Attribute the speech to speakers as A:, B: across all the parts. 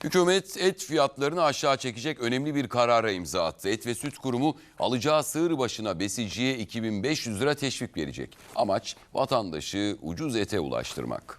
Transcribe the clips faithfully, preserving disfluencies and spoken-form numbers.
A: Hükümet et fiyatlarını aşağı çekecek önemli bir karara imza attı. Et ve Süt Kurumu alacağı sığır başına besiciye iki bin beş yüz lira teşvik verecek. Amaç vatandaşı ucuz ete ulaştırmak.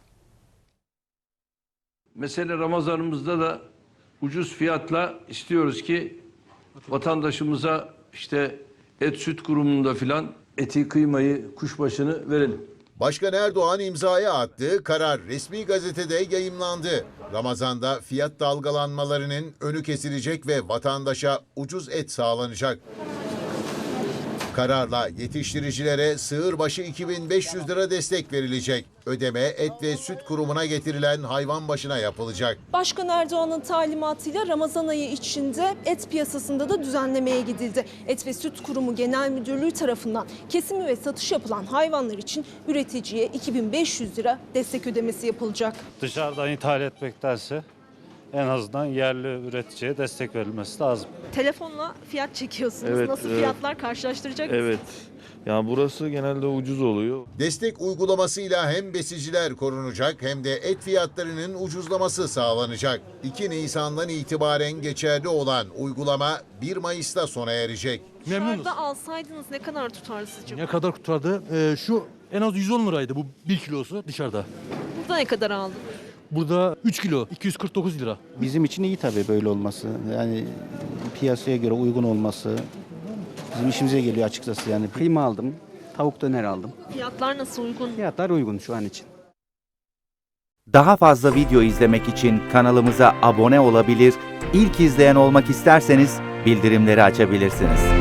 B: Mesele Ramazanımızda da ucuz fiyatla istiyoruz ki vatandaşımıza işte et süt kurumunda filan eti, kıymayı, kuşbaşını verelim.
C: Başkan Erdoğan imzaya attığı karar resmi gazetede yayımlandı. Ramazan'da fiyat dalgalanmalarının önü kesilecek ve vatandaşa ucuz et sağlanacak. Kararla yetiştiricilere sığır başı iki bin beş yüz lira destek verilecek. Ödeme et ve süt kurumuna getirilen hayvan başına yapılacak.
D: Başkan Erdoğan'ın talimatıyla Ramazan ayı içinde et piyasasında da düzenlemeye gidildi. Et ve Süt Kurumu Genel Müdürlüğü tarafından kesimi ve satış yapılan hayvanlar için üreticiye iki bin beş yüz lira destek ödemesi yapılacak.
E: Dışarıdan ithal etmektense en azından yerli üreticiye destek verilmesi lazım.
D: Telefonla fiyat çekiyorsunuz.
F: Evet,
D: Nasıl
F: evet.
D: fiyatlar karşılaştıracak mısınız?
F: Evet. Yani burası genelde ucuz oluyor.
C: Destek uygulamasıyla hem besiciler korunacak hem de et fiyatlarının ucuzlaması sağlanacak. iki Nisan'dan itibaren geçerli olan uygulama bir Mayıs'ta sona erecek.
G: Memnunuz.
D: Dışarıda alsaydınız ne kadar tutardı sizce?
G: Ne kadar tutardı? Ee, şu en az yüz on liraydı bu bir kilosu dışarıda.
D: Burada ne kadar aldınız?
G: Burada üç kilo iki yüz kırk dokuz lira.
H: Bizim için iyi tabii böyle olması. Yani piyasaya göre uygun olması bizim işimize geliyor açıkçası. Yani kıyma aldım, tavuk döner aldım.
D: Fiyatlar nasıl, uygun?
H: Fiyatlar uygun şu an için.
I: Daha fazla video izlemek için kanalımıza abone olabilir, ilk izleyen olmak isterseniz bildirimleri açabilirsiniz.